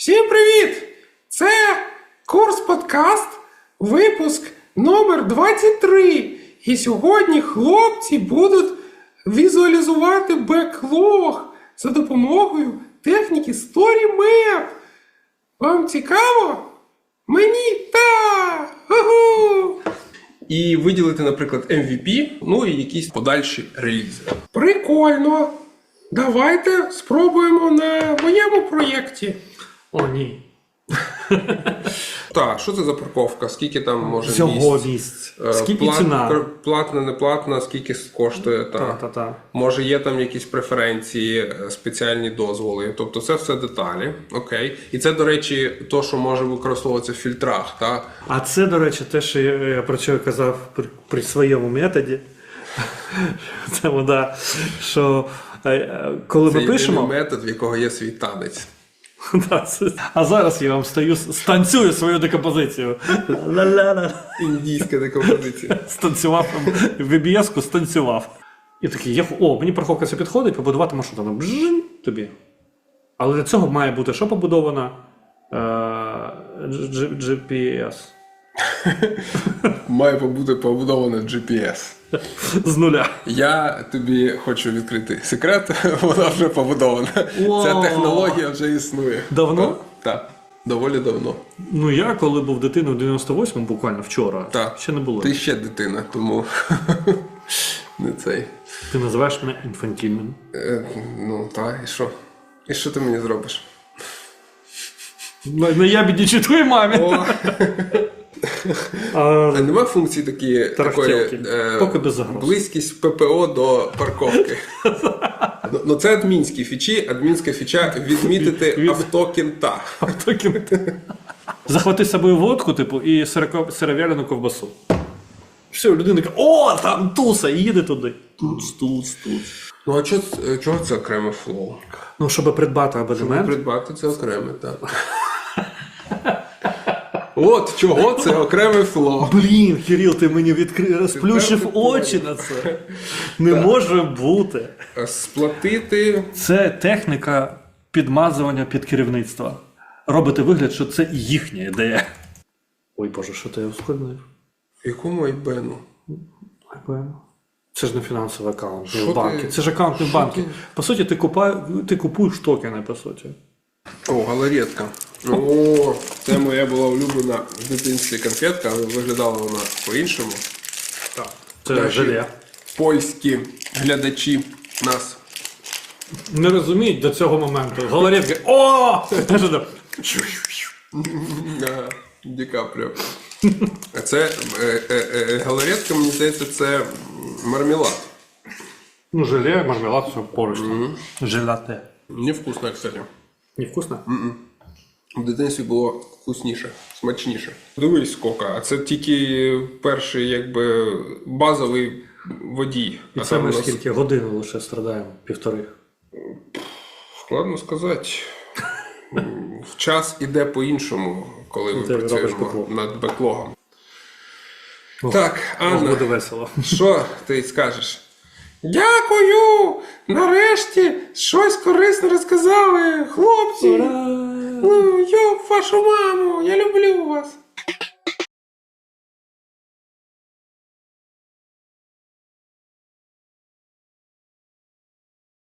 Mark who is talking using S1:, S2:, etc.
S1: Всім привіт! Це курс подкаст, випуск номер 23. І сьогодні хлопці будуть візуалізувати беклог за допомогою техніки StoryMap. Вам цікаво? Мені так! Угу!
S2: І виділити, наприклад, MVP, ну і якісь подальші релізи.
S1: Прикольно! Давайте спробуємо на моєму проєкті.
S3: О, ні.
S2: Так, що це за парковка? Скільки там може
S3: Всього місць. Скільки ціна?
S2: Платна, не платна, скільки коштує?
S3: Та.
S2: Може є там якісь преференції, спеціальні дозволи. Тобто це все деталі. Окей. І це, до речі, то, що може використовуватися в фільтрах. Так?
S3: А це, до речі, те, що я про що казав при своєму методі. Це вода, що коли ми пишемо...
S2: Це метод, в якого є свій танець.
S3: А зараз я вам станцюю свою декомпозицію.
S2: Індійська декомпозиція.
S3: Станцював, в VBS-ку станцював. І такий, мені парковка це підходить, побудувати маршрут. Вона бжжинь тобі. Але для цього має бути що побудовано? GPS.
S2: Має бути побудовано GPS.
S3: З нуля.
S2: Я тобі хочу відкрити секрет, вона вже побудована. Ця технологія вже існує.
S3: Давно?
S2: Так, доволі давно.
S3: Ну я, коли був дитиною в 98-му, буквально вчора, ще не було.
S2: Ти ще дитина, тому не цей.
S3: Ти називаєш мене інфантільним.
S2: Ну так, і що? І що ти мені зробиш?
S3: Не я біднічу твоїй мамі.
S2: А нема функції такої
S3: поки без загроз.
S2: Близькість ППО до парковки. Ну це адмінські фічі. Адмінська фіча відмітити авто кінта.
S3: Захвати з собою водку, і сировялену ковбасу. Все, людина каже, о, там туса, і їде туди. Туц.
S2: Ну а чого це окреме флоу?
S3: Ну, щоб придбати абонемент.
S2: Щоб придбати це окреме, так. От чого це окреме флоу.
S3: Блін, Кирил, ти мені розплющив очі на це. Не може бути.
S2: Сплатити.
S3: Це техніка підмазування під керівництво. Робити вигляд, що це їхня ідея. Ой, Боже, що ти ускладнив?
S2: Якому айбену?
S3: Айбену? Це ж не фінансовий аккаунт, не в банки. Це ж аккаунт не в банки. По суті, ти купуєш токени, по суті.
S2: О, галаретка. О, це моя була улюблена в дитинстві конфетка, але виглядала вона по-іншому.
S3: Так. Це желе.
S2: Польські глядачі нас
S3: не розуміють до цього моменту. Галаретка. О!
S2: Ді Капріо. А це галаретка, мені здається, це мармелад.
S3: Ну, желе, мармелад, все поруч. Желате.
S2: Невкусно, кстати.
S3: Невкусно?
S2: В дитинстві було вкусніше, смачніше. Дивись, скільки. А це тільки перший, базовий водій.
S3: І це ми скільки годин лише страдаємо? 1,5.
S2: Складно сказати. Час іде по-іншому, коли ми працюємо над беклогом. Так, Анна,
S3: буде весело.
S2: Що ти скажеш?
S1: Дякую! Нарешті щось корисне розказали, хлопці!
S3: Ура!
S1: Ну, йоп, вашу маму, я люблю вас!